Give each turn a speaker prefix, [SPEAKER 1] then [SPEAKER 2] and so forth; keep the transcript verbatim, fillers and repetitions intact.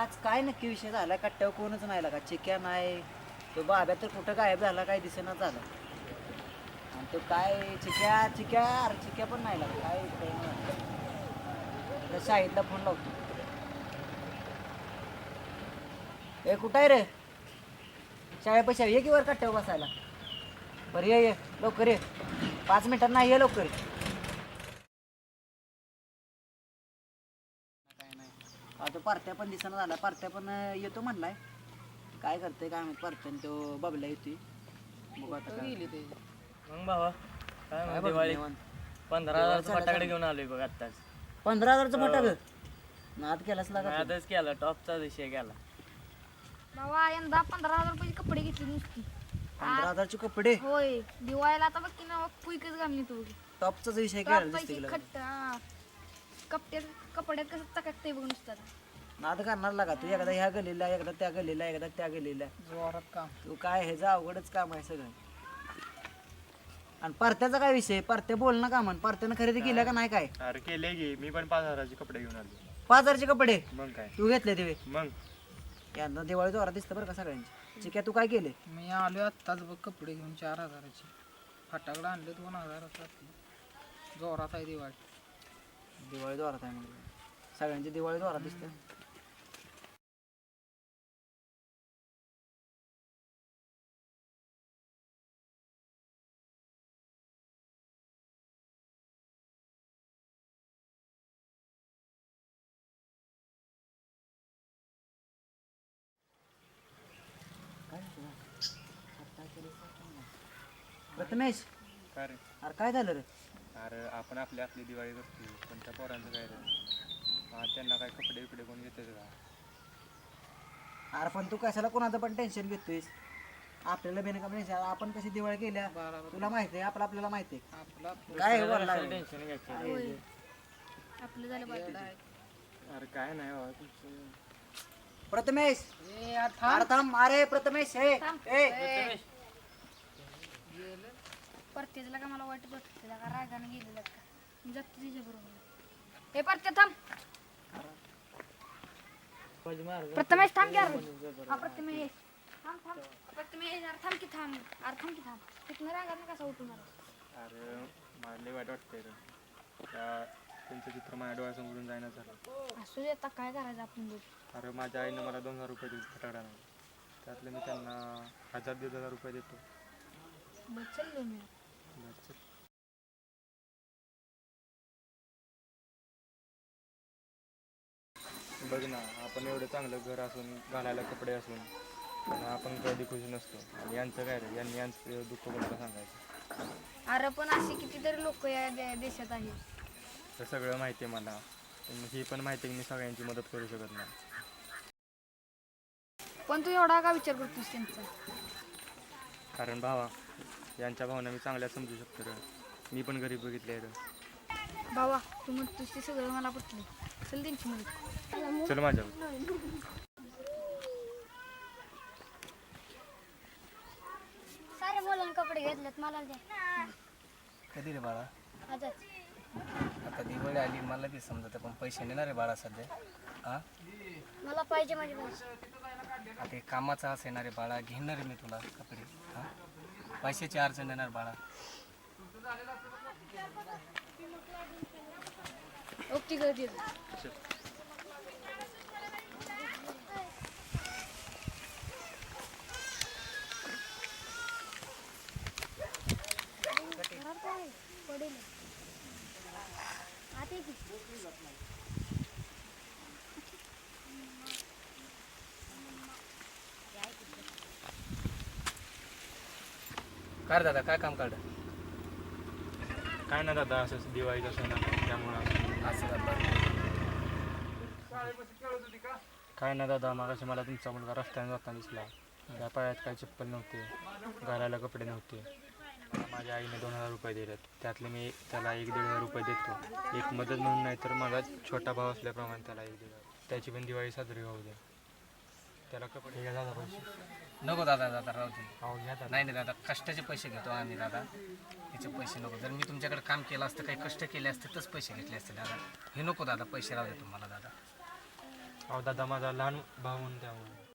[SPEAKER 1] आज काय नक्की विषय झाला कट्ट्यावर कोणच नाही लागा चिक्या नाही तो बाब्या तर कुठं गायब झाला काय दिसेना झाला आणि तो काय चिक्या चिक्या अरे चिक्या पण नाही लागा काय कळेना शाहीदला फोन लावतो. ए कुठं आहे रे शाळेपाशी ये की वर कट्ट्यावर बसायला. बरं ये ये लवकर ये पाच मिनिटात नाही ये लवकर. काय नाही आता पार्ट्या पण दिसना झाला पार्ट्या पण येतो म्हणलाय काय करते काय माहित पार्ट्यान तो बबल्या येतोय बघू आता काय
[SPEAKER 2] गेली ते
[SPEAKER 3] मग भावा काय
[SPEAKER 1] काय
[SPEAKER 3] म्हणते
[SPEAKER 1] बघ
[SPEAKER 3] दिवाळी
[SPEAKER 1] निवांत.
[SPEAKER 3] पंधरा
[SPEAKER 1] दिवाळी
[SPEAKER 3] हजारचं
[SPEAKER 1] झालं
[SPEAKER 3] फटाकडे
[SPEAKER 1] का?
[SPEAKER 3] घेऊन आलोय बघ आत्ताच.
[SPEAKER 1] पंधरा हजारचं
[SPEAKER 3] हो.
[SPEAKER 1] फटाक नाद केलाच लागा तू.
[SPEAKER 3] आताच केला टॉपचा विषय केला.
[SPEAKER 4] बाबा यंदा पंधरा हजार रुपयाचे कपडे घेतले नुसती.
[SPEAKER 1] पंधरा हजारचे कपडे
[SPEAKER 4] होय दिवाळीला आता बघ की ना पुईकच घालली तू
[SPEAKER 1] टॉपचाच विषय केला दिसते
[SPEAKER 4] पैसे
[SPEAKER 1] तुला.
[SPEAKER 4] खट्ट हा. कपड्यात कपड्यात कसं चकाकतंय बघ नुसतं आता.
[SPEAKER 1] नाद करणार लागा तू एकदा ह्या गलीला एकदा त्या गलीला एकदा त्या गलीला
[SPEAKER 2] जोरात काम
[SPEAKER 1] तू काय ह्याचं अवघडच काम आहे सगळं. आणि परत्याचा काय विषय परत्या बोल ना का म्हण परत्यानं खरेदी केल्या का नाही काय.
[SPEAKER 5] अरे केले की मी पण पाच हजाराचे कपडे घेऊन आलो.
[SPEAKER 1] पाच हजारचे कपडे
[SPEAKER 5] मग काय
[SPEAKER 1] तू घेतले ते
[SPEAKER 5] मग
[SPEAKER 1] यंदा दिवाळी जोरात दिसतं बरं का सगळ्यांची. चिक्या तू काय केले
[SPEAKER 2] मी आलो आत्ताच बघ कपडे घेऊन चार हजाराचे फटाकडे आणले दोन हजाराचा जोरात आहे दिवाळी.
[SPEAKER 1] दिवाळी जोरात आहे म्हणजे सगळ्यांची दिवाळी जोरात दिसते. प्रथमेश
[SPEAKER 5] काय रे
[SPEAKER 1] अरे काय झालं रे
[SPEAKER 5] अरे आपण आपली आपली दिवाळी करतो पण त्या पोरांचं काय रे हा, त्यांना काय कपडे बिपडे कोण घेते का.
[SPEAKER 1] अरे पण तू कशाला कोणाचं पण टेन्शन घेतोयस आपल्याला बेनकाम टेन्शन आपण कशी दिवाळी केल्या
[SPEAKER 2] बरोबर.
[SPEAKER 1] तुला माहिती आहे आपलं आपल्याला माहिती आहे
[SPEAKER 2] आपलं आपलं
[SPEAKER 1] काय हे बोलला
[SPEAKER 3] टेन्शन घ्यायचं.
[SPEAKER 4] होय आपलं झालं
[SPEAKER 2] येडं
[SPEAKER 4] बाकी
[SPEAKER 2] आहे.
[SPEAKER 5] अरे काय नाही बाबा तुमचं.
[SPEAKER 1] प्रथमेश
[SPEAKER 2] ए, यार थांब.
[SPEAKER 1] अरे थांब अरे प्रथमेश हे
[SPEAKER 4] थांब.
[SPEAKER 1] ए
[SPEAKER 2] गेलं.
[SPEAKER 4] परत्याला का मला वाटत होतं त्याला का रागाने गेलेला का मी जातो तिच्या बरोबर. हे परत्या थांब प्रथमेश थांब घ्या हा प्रथमेश थांब थांब प्रथमेश अरे थांब की थांब अरे थांब की थांब तिथनं रागाने कसा उठून आला.
[SPEAKER 5] अरे मला लय वाईट वाटतंय रे त्या त्यांचं चित्र माझ्या डोळ्यासमोरून जायना झालं.
[SPEAKER 4] असू दे आता काय करायचं आपण बघ.
[SPEAKER 5] अरे माझ्या आईनं मला दोन हजार रुपये दिले फटाकडा नाही त्यातले मी त्यांना हजार दीड हजार रुपये देतो.
[SPEAKER 4] बघ चल मी
[SPEAKER 5] बस. बघ ना आपण एवढं चांगलं घर असून घालायला कपडे असून पण आपण कधी खुशी नसतो आणि यांचं काय रे यांनी यांचं दुःख कोणाला सांगायचं.
[SPEAKER 4] अरे पण असे कितीतरी लोक या दे- देशात आहेत.
[SPEAKER 5] तर सगळं माहिती आहे मला पण ही पण माहिती आहे की मी सगळ्यांची मदत करू शकत नाही.
[SPEAKER 4] पण तू एवढा का विचार करतोस त्यांचा.
[SPEAKER 5] कारण भावा यांच्या भावना मी चांगल्या समजू शकतो रे. मी पण गरीब बघितले रे.
[SPEAKER 4] बाबा तू म्हणतोस ते सगळं मला पटलं चल त्यांची मदत.
[SPEAKER 5] चल माझ्यावर.
[SPEAKER 4] सारे मुलांना कपडे घेतलेत मला द्या.
[SPEAKER 6] कधी रे बाळा
[SPEAKER 4] आजच
[SPEAKER 6] आता दिवाळी आली मला बी समजत पण पैसे देणार रे बाळा सध्या. हा
[SPEAKER 4] मला पाहिजे माझे पैसे.
[SPEAKER 6] आता एक कामाचा असं येणार रे बाळा घेणार रे मी तुला कपडे. हा पैशाची अडचण येणार बाळा.
[SPEAKER 4] ओके गर्दी पडेल आते की
[SPEAKER 6] काय रे दादा काय काम काढ
[SPEAKER 5] काय ना दादा असं दिवाळीचा सण आहे त्यामुळं
[SPEAKER 6] असं दादा
[SPEAKER 5] काय ना दादा मागाशी मला तुमचा मुलगा रस्त्याने जाताना दिसला. त्या पायात काही चप्पल नव्हते घालायला कपडे नव्हते. मला माझ्या आईने दोन हजार रुपये दिलेत त्यातले मी त्याला एक दीड हजार रुपये देतो एक मदत म्हणून नाही तर माझा छोटा भाव असल्याप्रमाणे त्याला एक दीड हजार त्याची पण दिवाळी साजरी होऊ दे. त्याला कपडे घ्या दादा पैसे.
[SPEAKER 6] नको दादा दादा राहू दे.
[SPEAKER 5] हो घ्या दादा.
[SPEAKER 6] नाही नाही दादा कष्टाचे पैसे घेतो आम्ही दादा याचे पैसे नको. जर मी तुमच्याकडे काम केलं असतं काही कष्ट केले असते तरच पैसे घेतले असते दादा. हे नको दादा पैसे राहू दे तुम्हाला दादा.
[SPEAKER 5] अहो दादा माझा लहान भाऊ म्हणून त्यामुळे